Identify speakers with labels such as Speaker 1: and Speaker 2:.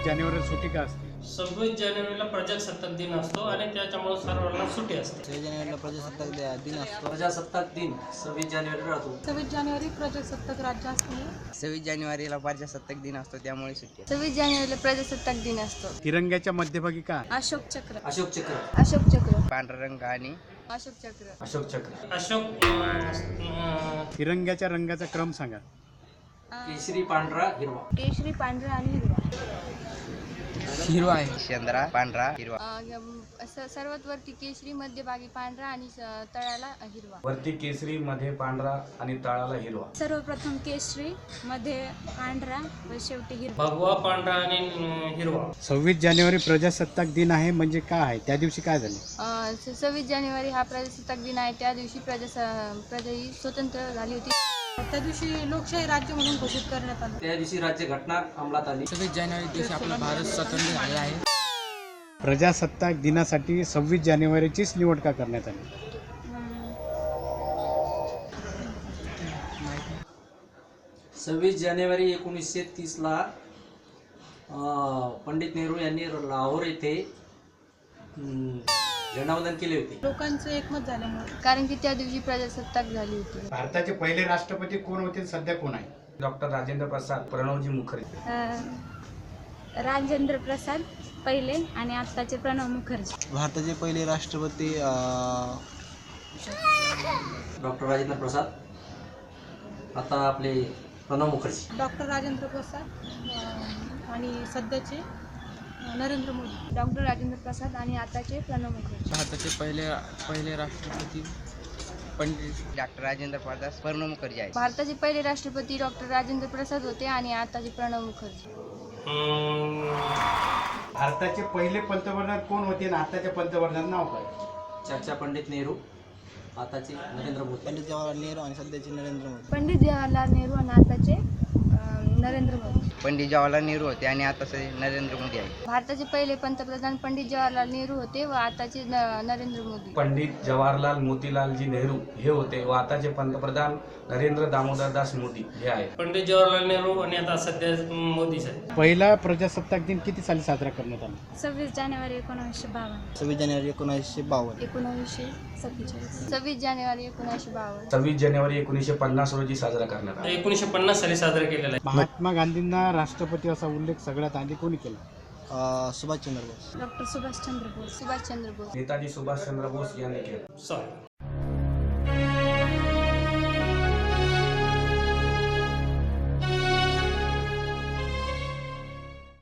Speaker 1: जानेवारीला सुट्टी का असते?
Speaker 2: 26 जानेवारीला प्रजासत्ताक दिन असतो आणि त्याच्यामुळे सर्वांना सुट्टी असते.
Speaker 3: 26 जानेवारीला प्रजासत्ताक दिन असतो.
Speaker 2: प्रजासत्ताक दिन 26 जानेवारी राहतो.
Speaker 4: 26 जानेवारी प्रजासत्ताक राज्य असते.
Speaker 3: 26 जानेवारीला प्रजासत्ताक दिन असतो, त्यामुळे सुट्टी.
Speaker 5: 26 जानेवारीला प्रजासत्ताक दिन असतो.
Speaker 1: तिरंग्याच्या मध्यभागी का?
Speaker 5: अशोक चक्र.
Speaker 2: अशोक चक्र.
Speaker 5: अशोक चक्र.
Speaker 3: पांढरा रंग आणि
Speaker 5: अशोक चक्र.
Speaker 2: अशोक चक्र. अशोक
Speaker 1: तिरंग्याच्या रंगाचा क्रम सांगा.
Speaker 2: केशरी, पांढरा, हिरवा.
Speaker 5: केशरी, पांढरा आणि हिरवा.
Speaker 3: हिरवा आहे. चंद्रा, पांढरा, हिरवा.
Speaker 5: सर्वात वरती केशरी, मध्यभागी पांढरा आणि तळाला हिरवा.
Speaker 6: वरती केसरी, मध्ये पांढरा आणि तळाला हिरवा.
Speaker 4: सर्वप्रथम केशरी, मध्ये पांढरा व शेवटी हिरवा.
Speaker 2: भगवा, पांढरा आणि हिरवा.
Speaker 1: 26 जानेवारी प्रजासत्ताक दिन आहे म्हणजे काय आहे? त्या दिवशी काय झाले?
Speaker 5: 26 जानेवारी हा प्रजासत्ताक दिन आहे. त्या दिवशी प्रजा ही स्वतंत्र झाली होती.
Speaker 4: त्या दिवशी लोकशाही राज्य म्हणून घोषित करण्यात आलं.
Speaker 2: त्या दिवशी राज्यघटना अंमलात आली.
Speaker 3: 26 जानेवारी दिवशी आपला भारत स्वतंत्र झालेला आहे.
Speaker 1: प्रजासत्ताक दिनासाठी 26 जानेवारीचीच निवड का करण्यात आली?
Speaker 2: 26 जानेवारी 1930ला पंडित नेहरू यांनी लाहोर येथे झेंडावंदन केले होते.
Speaker 4: लोकांचं एकमत झाल्यामुळे.
Speaker 5: कारण की त्या दिवशी प्रजासत्ताक झाली होती.
Speaker 1: भारताचे पहिले राष्ट्रपती कोण होते, सध्या कोण आहे?
Speaker 6: डॉक्टर राजेंद्र प्रसाद, प्रणवजी मुखर्जी.
Speaker 4: राजेंद्र प्रसाद पहिले आणि आत्ताचे प्रणव मुखर्जी.
Speaker 3: भारताचे पहिले राष्ट्रपती
Speaker 2: डॉक्टर राजेंद्र प्रसाद, आता आपले प्रणव मुखर्जी.
Speaker 4: डॉक्टर राजेंद्र प्रसाद आणि सध्याचे नरेंद्र मोदी.
Speaker 5: डॉक्टर राजेंद्र प्रसाद आणि आताचे प्रणव मुखर्जी.
Speaker 3: भारताचे पहिले राष्ट्रपती पंडित डॉक्टर राजेंद्र प्रसाद, प्रणव मुखर्जी आहे.
Speaker 5: भारताचे पहिले राष्ट्रपती डॉक्टर राजेंद्र प्रसाद होते आणि आताचे प्रणव मुखर्जी.
Speaker 1: भारताचे पहिले पंतप्रधान कोण होते आणि आताच्या पंतप्रधान नाव काय?
Speaker 2: चर्चा पंडित नेहरू, आताचे नरेंद्र मोदी.
Speaker 3: पंडित जवाहरलाल नेहरू आणि सध्याचे नरेंद्र मोदी.
Speaker 5: पंडित जवाहरलाल नेहरू आणि आताचे नरेंद्र मोदी.
Speaker 3: पंडित जवाहरलाल नेहरू होते आणि आताचे नरेंद्र मोदी आहे.
Speaker 5: भारताचे पहिले पंतप्रधान पंडित जवाहरलाल नेहरू होते व आताचे नरेंद्र मोदी.
Speaker 6: पंडित जवाहरलाल मोतीलालजी नेहरू हे होते व आताचे पंतप्रधान नरेंद्र दामोदरदास मोदी हे आहेत.
Speaker 2: पंडित जवाहरलाल नेहरू आणि आता सध्या मोदी साहेब.
Speaker 1: पहिला प्रजासत्ताक दिन किती साली साजरा करण्यात आला?
Speaker 4: 26 जानेवारी 1952.
Speaker 3: 26 जानेवारी 1952.
Speaker 4: 1947.
Speaker 5: 26 जानेवारी 1952.
Speaker 6: 26 जानेवारी 1950 रोजी साजरा करण्यात आला.
Speaker 2: 1950 साली साजरा केलेला आहे.
Speaker 1: महात्मा गांधींना राष्ट्रपती असा उल्लेख सगळ्यात आधी कोणी केला?
Speaker 3: सुभाषचंद्र बोस.
Speaker 4: डॉक्टर सुभाषचंद्र बोस.
Speaker 5: सुभाषचंद्र बोस.
Speaker 6: नेताजी सुभाषचंद्र बोस यांनी केलं.
Speaker 2: सॉरी.